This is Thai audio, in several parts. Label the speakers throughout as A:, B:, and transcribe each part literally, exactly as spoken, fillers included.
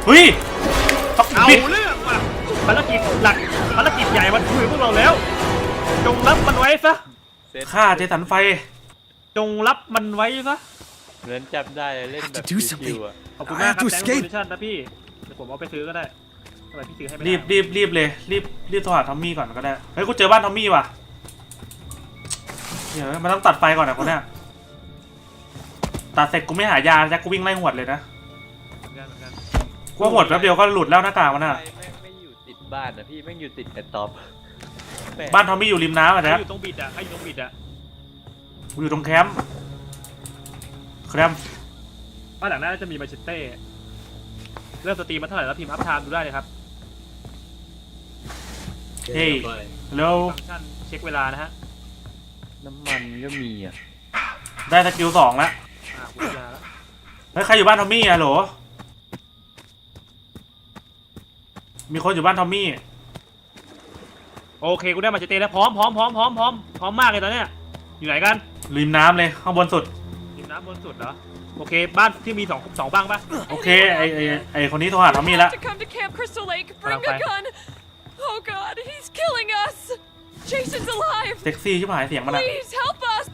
A: เฮ้ย
B: เอาเรื่องว่ะภารกิจหลักภารกิจใหญ่มันคุยพวกเราแล้วจงรับมันไว้ซะ
A: ฆ่าเจสันไฟ
B: จงรับมันไว้ซะ
C: เหมือนจำได้เล่นแบบชิวๆอ่ะ
B: ขอบคุณมากครับแซงค์โปรดิชั่นนะพี่เดี๋ยวผมเอาไปซื้อก็ได้ทำไมพี่ซื้อให้ไม่ได้
A: รีบรีบรีบเลยรีบรีบโทรหาทอมมี่ก่อนก็ได้เฮ้ยกูเจอบ้านทอมมี่ว่ะเดี๋ยวมันต้องตัดไฟก่อนนะคนเนี้ยตัดเสร็จกูไม่หายาแจ็คกูวิ่งไล่หวดเลยนะกูหวดแป๊บเดียวก็หลุดแล้วหน้ากากมันอ่ะ
C: ไม่ไม่อยู่ติดบ้านนะพี่ไม่อยู่ติดแอตท็อป
A: บ้านทอมมี่อยู่ริมน้ำอ่ะแจ็ค
B: อยู่ตรงบิดอ่ะใครอยู่ตรงบิดอ่ะ
A: กูอยู่ตรงแคมป์แคมป์
B: บ้านหลังหน้าจะมีมาเชตเต้เริ่มสตรีมมาเท่าไหร่แล้วพิมพ์อัพไทม์ดูได้เลยครับ
A: เฮ้ยแล้ว
B: ฟังก์ชันเช็คเวลานะฮะ
C: น้ำมันก็มีอ่ะ
A: ได้สกิลสองแล้ว
B: อ่ากูยาแล้ว
A: เฮ้ยใครอยู่บ้านทอมมี่อะโหลมีคนอยู่บ้านทอมมี่
B: โอเคกูได้มาเชตเต้แล้วพร้อมพร้อมพร้อมพร้อมพร้อมพร้อมมากเลยตอนเนี้ยอยู่ไหนกัน
A: ริมน้ำเลยข้างบนสุด
B: ริมน้ำบนสุดเหรอโอเคบ้านที่มีสองสองบ้างปะ
A: โอเคไอไอไอคนนี้โทรหาทอมมี่แล้ว
D: Oh God, he's killing us! Jason's alive!
A: เซ็กซี่ชิบหายเสียงมันอะ
D: Please help us!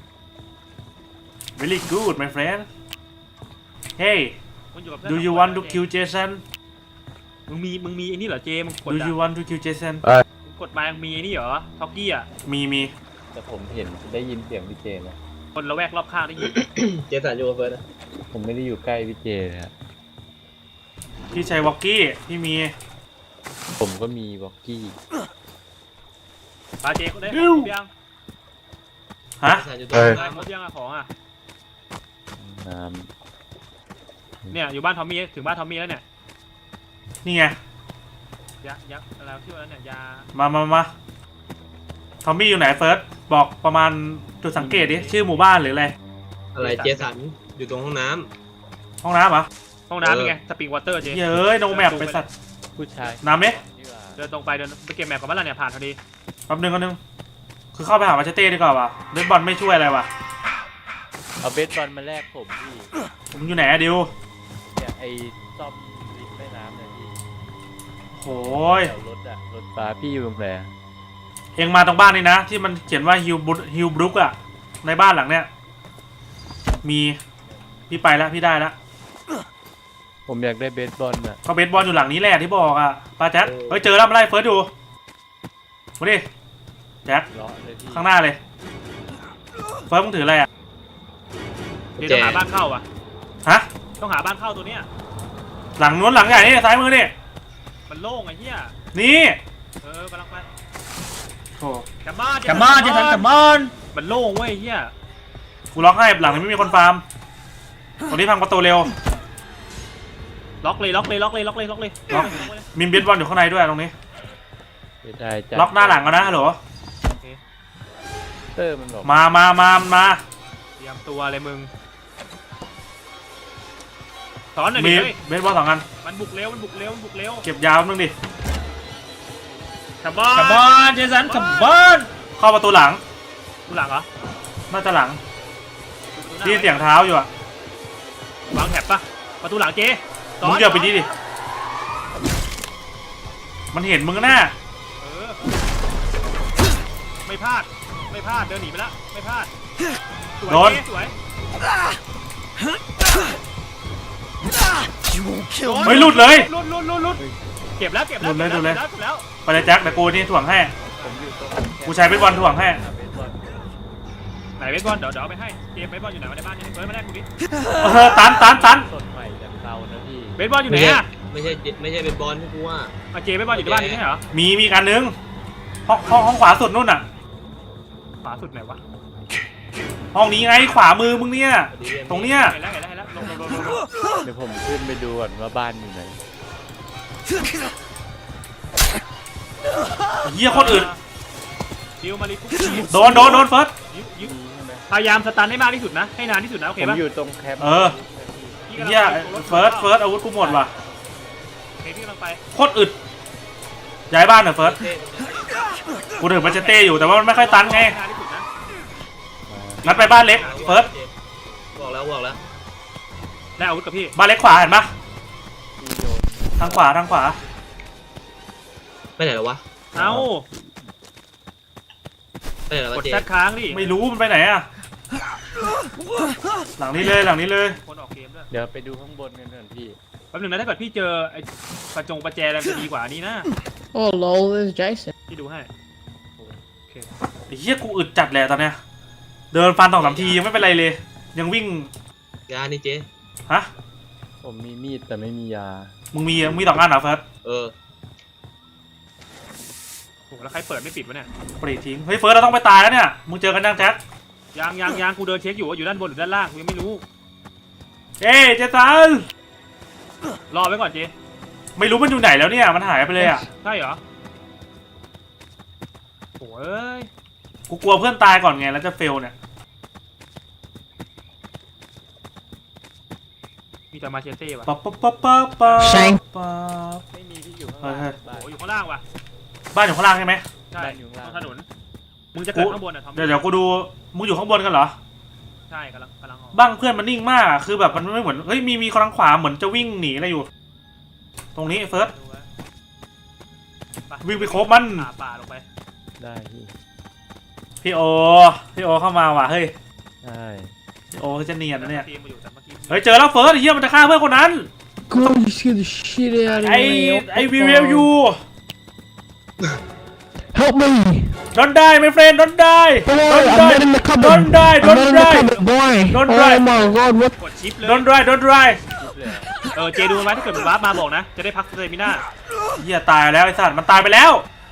A: Very good, my friend. Hey, do you want to kill Jason?
B: มึงมีมึงมีไอ้นี่เหรอเจมึงกด
A: Do you want to kill Jason?
B: กดมายังมีไอ้นี่เหรอท็อกกี้อ่ะ
A: มีมี
C: แต่ผมเห็นได้ยินเสียงพี่เจนะ
B: คนละแวกรอบข้างได้ยิน
E: เจสันอยู่กับเฟิร์สนะ
C: ผมไม่ได้อยู่ใกล้พี่เจเลยครับ
A: พี่ชัยวอกกี้พี่มี
C: ผมก็มีวอกกี้
B: ปาเจก็ได้ของยัง
A: ฮะ
B: เออหมดยังอะของอะ
C: น้
B: ำเนี่ยอยู่บ้านทอมมี่ถึงบ้านทอมมี่แล้วเนี่ย
A: นี่ไง
B: ยายักษ์อะไรที่ว่าแล้วเนี่ยยา
A: มามามาทอมมี่อยู่ไหนเฟิร์สบอกประมาณจุดสังเกตดิชื่อหมู่บ้านหรืออะไร
E: อะไรเจสันอยู่ตรงห้องน้
A: ำห้องน้ำเหรอ
B: ห้องน้ำเป็นไงสปริงวอเตอร์เจ
A: เย้ยโนแมปไปสัตว์
C: ผู้ชาย
A: น้ำเนี่ย
B: เดินตรงไปเดินไปเก็บแมปกับบ้านเราเนี่ยผ่านพอดี
A: แป๊บนึงก็นึงคือเข้าไปหามาเชเต้ดีกว่าว่ะเบสบอลไม่ช่วยอะไรว่ะ
C: เอาเบสบอลมาแลกผมพี่
A: ผมอยู่ไหนอะดิว
C: เนี่ยไอ้ซ่อมริมแม่น้ำเนี่ยพี่
A: โอ้ย
C: รถอะรถฟ้าพี่อยู่ตรงไหน
A: เองมาตรงบ้านนี่นะที่มันเขียนว่าฮิวบุฮิวบรุกอะในบ้านหลังเนี้ยมีพี่ไปแล้วพี่ได้แล้ว
C: ผมอยากได้เบสบอลอะ
A: ก็เบสบอลอยู่หลังนี้แหละที่บอกอะป้าแจ็คเฮ้ยเจอแล้วมาไล่เฟิร์สดูมาดิแจ็คข้างหน้าเลยเฟิร์สมึงถืออะไรอะ
B: เดี๋ยวต้องหาบ้านเข้าอ่ะ
A: ฮะ
B: ต้องหาบ้านเข้าตัวเนี้ย
A: หลังนู้นหลังใหญ่นี่ซ้ายมือนี่
B: มันโล่งไอ้เหี้ย
A: นี่
B: เออกำลังไป
A: โอ้
B: กลับบ้าน
A: กลับบ้านเจสันกลับบ้าน
B: มันโล่งเว้ยเหี้ย
A: กูล็อกให้หลังนี้ไม่มีคนฟาร์มตรงนี้พังประตูเร็ว
B: ล็อกเลยล็อกเลยล็อกเลยล็อกเลยล็อกเลย
A: ล็อกมีเบสบอลอยู่ข้างในด้วยตรงนี้
C: ได้
A: ล็อกหน้าหลังกันนะฮัลโหล
C: เตอร์มันบอก
A: มามามามา
B: เตรียมตัวเลยมึงสอนหน่อยดิ
A: เบสบอลสองอัน
B: มันบุกเร็วมันบุกเร็วมันบุกเร็ว
A: เก็บยาวนึงดิ
B: ขับบอล
A: ขับบอลเจสันขับบอลเข้าประตูหลัง
B: ประตูหลังเหรอ
A: น่าจะหลังที่เสียงเท้าอยู่อะ
B: วางแถบปะประตูหลังเจ
A: มึงเกี่ยวไปดิดิมันเห็นมึงหน้า
B: เออไม่พลาดไม่พลาดเดินหนีไปแล้วไม่พลาด
A: โดน
B: สวย
A: ไม่หลุดเลย
B: หลุดหลุดหลุดหลุดเก็บแล้วเก็บแล้ว
A: หลุดเลยหลุดเลย
B: แล้ว
A: ไปเลยแจ็คแต่กูนี่ถ่วงให้กูใช้เบสบอลถ่วงให้
B: ไหนเบสบอลเดี๋ยวเดี๋ยวไปให้เกมเบสบอลอยู่ไหนมาในบ้านเนี่ยเฮ้ยมาแรกกูดิ
A: เออตันตันตัน
C: สดใหม่จากเรานะพี่
B: เบสบอลอยู่ไหนอะ
E: ไม่ใช่ไม่ใช่เป็นบอลที่กูว่า
B: อาเจเบสบอลอยู่ในบ้านนี้ใช่เหรอ
A: มีมีกันนึงห้องห้องห้องขวาสุดนู่นน่ะ
B: ขวาสุดไหนวะ
A: ห้องนี้ไงขวามือมึงเนี่ยตรงเนี้ย
B: เห็นแล้วเห็นแล้วเห็นแล้วลงลงลงลง
C: เดี๋ยวผมขึ้นไปดูก่อนว่าบ้านอยู่ไหน
A: เยี่ยคนอื่น
B: ดิวมาลิคุ
A: โดนโดนโดนเฟิร์ส
B: พยายามสตันให้มากที่สุดนะให้นานที่สุดนะโอเค
C: ป่ะผมอยู่ตรงแคมป์เออ
A: เยี่ยเฟิร์สเฟิร์สอาวุธกูหมดว่ะ
B: โอเคพี่กำลังไป
A: โคตรอึดย้ายบ้านเหรอเฟิร์สกูถึงมันจะเต้อยู่แต่ว่ามันไม่ค่อยตันไงงั้นไปบ้านเล็กเฟิร์ส
E: บอกแล้วบอกแล้ว
B: ได้อาวุธกับพี่
A: บ้านเล็กขวาเห็นปะทางขวาทางขวา
E: ไปไหนแล้ววะ
B: เอ้า
E: ไปไหนแล้ว
B: ก
E: วะ
B: ด
E: เจ
B: แซดค้างดิ
A: ไม่รู้มันไปไหนอะหลังนี้เลยหลังนี้เลย
B: คนออกเกมด้วย
C: เดี๋ยวไปดูข้างบนกันเถอะพี่
B: แป๊บหนึงนะถ้าเกิดพี่เจอไอ้ประจงประแจอะไรมันจะดีกว่านี้นะ
F: Oh lol, there's Jason.
B: พี่ดูให้
A: ไอ้เหี้ยกูอึดจัดแหละตอนเนี้ยเดินฟันสองสามทียังไม่เป็นไรเลย ยังวิ่ง
E: ยานี่เจ
A: ฮะ
C: ผมมีมีดแต่ไม่มียา
A: มึงมีมึงมีสองอันเหรอเฟิร์ส
E: เออ
B: โหแล้วใครเปิดไม่ปิดวะเนี่ย
A: ปรีดทิ้งเฮ้ยเฟิร์สเราต้องไปตายแล้วเนี่ยมึงเจอกันยังแจ็ค
B: ยังยังยังกูเดินเช็คอยู่ว่าอยู่ด้านบนหรือด้านล่างกูยังไม่รู้
A: เอ้ยเจสัน
B: รอไว้ก่อนเจ
A: ไม่รู้มันอยู่ไหนแล้วเนี่ยมันหายไปเลยอ่ะ
B: ใช่เหรอโอ้ย
A: กูกลัวเพื่อนตายก่อนไงแล้วจะเฟลเนี่ย
B: มีแต่มาเชเต้ว่ะ
A: ปั๊บปั๊บปั๊บปั๊บปั๊บ
F: ใช่
A: ปั๊บ
C: ไม่มีที่อยู่ข้าง
A: เฮ้
C: ล่าย ง
A: เฮ้ย
C: บ้าน
B: โอ้ยอยู่ข้างล่างว่ะ
A: บ้านอยู่ข้างล่างใช่ไหม
B: ใช่
C: บ้านอยู่ข้าง
B: ตร
C: ล่าง
B: งถนนมึงจะเกิดข้างบนอ่ะทอม
A: เดี๋ยวเดี๋ยวกูดูมึงอยู่ข้างบนกันเหรอ
B: ใช่กำลังกำลังออก
A: บ้างเพื่อนมันนิ่งมากอะคือแบบมันไม่เหมือนเฮ้ยมีมีคนทางขวาเหมือนจะวิ่งหนีอะไรอยู่ ตรงนี้เฟิร์ส
B: ดูไว้
A: วิ่งไปโคบมัน
B: ป่าป่าลงไป
C: ได้พี่
A: พี่โอพี่โอเข้ามาว่ะเฮ้ย
C: ใช่
A: พี่โอจะเนียนนะเนี่ย
B: ทีมมาอยู่แต่เมื่อกี้
A: เฮ้ยเจอแล้วเฟิร์สไอ้เหี้ยมันจะฆ่าเพื่อนคนนั้น
F: God, you scared the shit out of
A: ไอ
F: me.
A: ไอวีเวลยู
F: Help me!
A: don't die my friend don't die
F: Boy,
A: don't
F: I'm
A: die
F: not in the cupboard.
A: don't die
F: I'm
A: don't
F: not in the
A: die
F: cupboard, boy.
A: Don't
F: oh
A: die.
F: my god, what?
B: กดชิปเลย
A: don't die don't die
C: คิดเลยอะ
B: เออเจดูมันไว้ถ้าเกิดมันวาร์ปมาบอกนะ จะได้พักสเตมิน่า
A: เหี้ยตายแล้วไอ้สัตว์มันตายไปแล้ว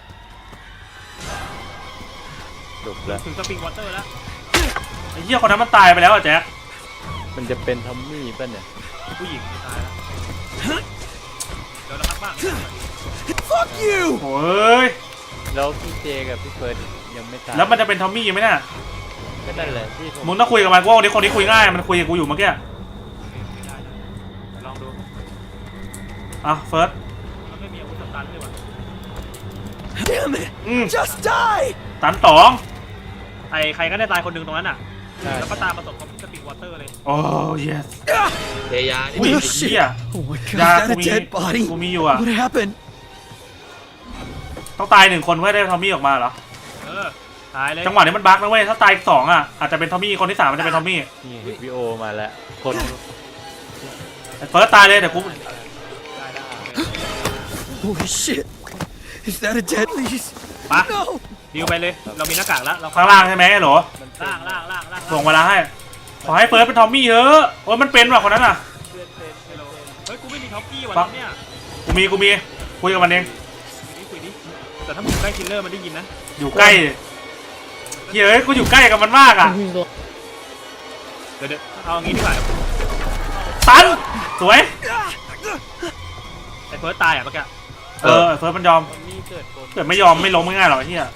C: จบแล้ว
B: ถึงสปริงวอเตอร์แล้ว
A: ไอ้เหี้ยคนนั้นมันตายไปแล้วอ่ะแจ๊ค
C: มันจะเป็นทอมมี่ป่ะเนี่ย
B: ผู้หญิงตายแล้วเดี๋ยวเราพักบ้าง
A: โอ้ย
C: แล้วพี่เจกับพี่เฟิร์สยังไม่ตาย
A: แล้วมันจะเป็นทอมมี่ไหมเนี่ย
C: ก็นั่นแหละที่ผม
A: มึงต้องคุยกับมันกูว่าคนนี้คนนี้คุยง่ายมันคุยกับกูอยู่เมื่อกี้
B: ได้ได้ลองดู
A: อ่ะเฟิร์ส
B: มันไม่มีอาวุธสตันเลยว่ะ
G: Damn it!
A: อืม
G: Just die!
A: ตันสอง
B: ใครใครก็ได้ตายคนหนึ่งตรงนั้นอ่ะ
C: ใช่
B: แล้วก็ตามประสบกับสปริงวอเตอร์เลย
A: โอ้ yes
E: เทยานี่
A: อุ้ย
G: Oh,
A: ไอ้เหี้ย
G: Oh my god,
A: ยา
G: is
A: กู
G: that a
A: มี
G: dead body?
A: กูมีอยู่อ่ะ
G: What happened?
A: ต้องตายหนึ่งคนเพื่อได้ทอมมี่ออกมาเหรอ
B: เออตายเลย
A: จังหวะนี้มันบั๊กนะเว้ยถ้าตายอีกสองอ่ะอาจจะเป็นทอมมี่คนที่สามมันจะเป็นทอมมี่
C: นี่พี่โอมาแล้ว คน
A: ไอ้เฟิร์สตายเลยเดี๋ยวกู
G: Holy shit! Is that a dead lease?
B: ปะ
G: No!
B: ดิวไปเลย เรามีหน้ากากแล้วเรา
A: ข้างล่างใช่ไหมเหรอ
C: มัน
B: ล่างล่างล่างล่าง
A: ส่งเวลาให้ขอให้เฟิร์สเป็นทอมมี่เถอะโอ้ยมันเป็นว่ะคนนั้นอ่ะ
B: เฮ้ยกูไม่มีท็อปปี้ว่ะ
A: ปั๊บ
B: เนี่ย
A: กูมีกูมีคุยกับมันเอง
B: คุยดิคุยดิแต่ถ้ามึงใกล้คิลเลอร์มันได้ยินนะ
A: อยู่ใกล้เฮ้ยเอ้ยกูอยู่ใกล้กับมันมากอ่ะ
F: Who's the-
B: เดี๋ยวเดี๋ยวเอาอย่างงี้ดีกว่า
A: ตันสวย
B: ไอ้เฟิร์สตายอ่ะเมื่อกี้
A: เออเฟิร์สมันยอม
C: ทอมมี่เกิดบน
A: เกิดไม่ยอมไม่ล้มง่ายๆหรอกไอ้เฮีย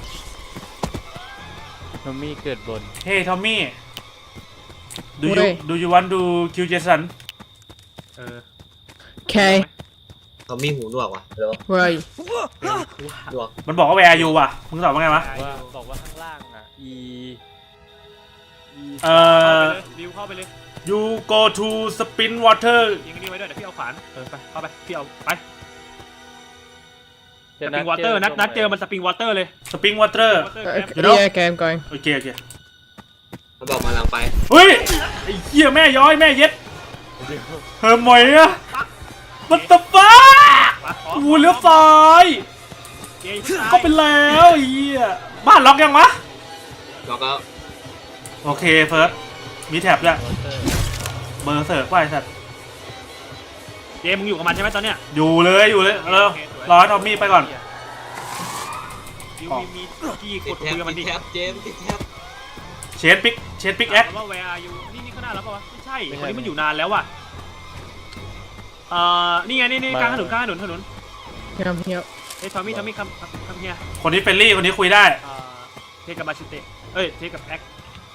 C: ทอมมี่เกิดบน
A: เฮ้ยทอมมี่ do you
F: What?
A: do you want to kill Jason
B: เออ
F: Okay,
E: เขามีหูหนวกว่ะเดี๋ยว
F: where are you?
E: หนวก
A: มันบอกว่า where are you ว่ะมึงตอบว่าไงวะ
C: ว่าบอกว่าข้างล่างอ่ะ e e
A: เอ่
B: เข้าไป
A: อ
B: เลยดิวเข้าไปเลย
A: you go to spin water
B: ยิงอันนี้ไว้ด้วยเดี๋ยวพี่เอาขวานเออไปเข้าไปพี่เอาไปส
C: จะ
B: ปริงวอเตอร์นัดนัดเจอมันสปริงวอเตอร์เลย
A: spin water
B: Water
F: Uh,
B: cap
F: okay,
A: You know?
F: yeah, okay, I'm going.
A: โอเคโอเค
E: มันบอกมาหลังไป
A: เฮ้ยไอ้เหี้ยแม่ย้อยแม่เย็ดเฮ้ยหมอยอะมันตะฟ้า
B: ปะอ๋อ
A: กูเลี้ยวซ้าย
B: เจอย่าเพิ่งตาย
A: ก็ไปแล้วไอ้เหี้ยบ้านล็อกยังวะ
E: แล้วก็
A: โอเคเฟิร์สมีแท็บด้วย
C: วอเตอร์
A: เบอร์เสิร์ฟว่าไอ้สัตว์
B: เจมึงอยู่กับมันใช่ไหมตอนเนี้ย
A: อยู่เลยอยู่เลยเร็วรอให้ทอมมี่ไปก่อน
B: ดิว
A: อ๋อ
B: มีมีกี้ก
E: ติ
B: ด
E: ดแท็
B: คุ
E: บ
B: ยกับมัน
E: ติ
B: ดิ
E: ดแท็บเจมส์ติดแท็บ
A: เชนปิกเชนปิกแอค
B: ถามว่า where are you นี่นี่ข้างหน้าแล้วปะวะไม่ใช่คนนี้มันอยู่นานแล้วว่ะเอ่อนี่ไงนี่นี่กลางถนนกลางถนนถนน
F: Yeah, I'm here.
B: เฮ้ยทอมมี่ทอมมี่คำคำคำเฮีย
A: คนนี้เฟรนลี่คนนี้คุยได้
B: เอ่อเทกับมาชิเตะเอ้ยเทกับแอค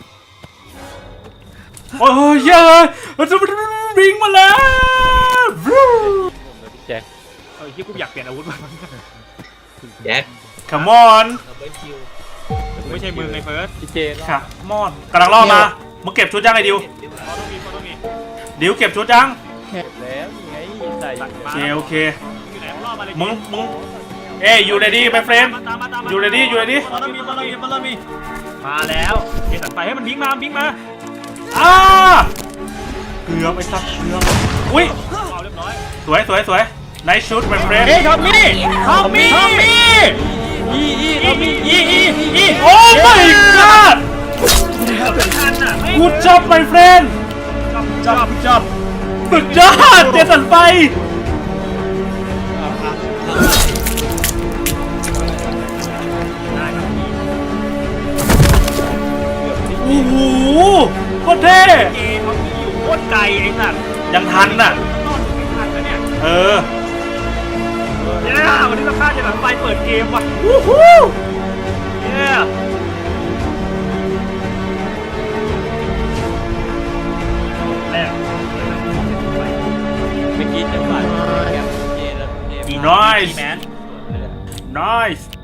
A: โอ้ยเย้ยมันจะวิ่งมาแล้ววู้
C: ผมกับพี่แจ็ค
B: เออที่กูอยากเปลี่ยนอาวุธมา
E: แจ็ค
A: come on
E: ดับเบิลคิว
B: กูไม่ใช่มึงไงเฟิร์ส
C: พี่เจรอด
A: come on กำลังล่อมามึงเก็บชุดยังไงดิว
B: เขาต้องมีเขาต้องมี
A: ดิวเก็บชุดยัง
C: เก็บแล้วนี่ไงใส่
B: มา
A: โอเคโอเค
B: อยู่ไหนมึงรอบมาเลย
A: มึงมึงเอ้ยอยู่ในดีไปเฟรม
B: ตามมาตามมา
A: อยู่ในดีอยู่ในดี
B: มาแล้วมีมาแล้วมีมาแล้วมีมาแล้วเจสันไปให้มันพิงมาพิงมา
A: อ้าเกือบไอ้สัตว์เกือบอุ้ย
B: เอาเรียบร้อย
A: สวยสวยสวยไนท์ชุดไปเฟรม
B: เฮ้ยทอมมี่ทอมมี่ทอมมี่อีอีทอมมี่อีอีอี
A: โอ้ my god
B: ทันอ่ะไม่
A: good job my friend
B: จับจับจับ
A: สุดยอดเจสันไป
B: ได้ครับพี่
A: โอ้โหโคตรเท่
B: เกมเขามีอยู่โคตรไกลไอ้สัตว์
A: ยังทันน่ะ
B: นอนไม่ทันแล้วเนี่ย
A: เออ
B: เนี่ยวันนี้เราฆ่าเจสันไปเปิดเกมว่ะ
A: วู้ฮู้
B: เนี่ยแรก
C: เมื่อกี้จังหวะแกมเจแล้วเจ
A: น้อยส์
B: แมน
A: น้อยส์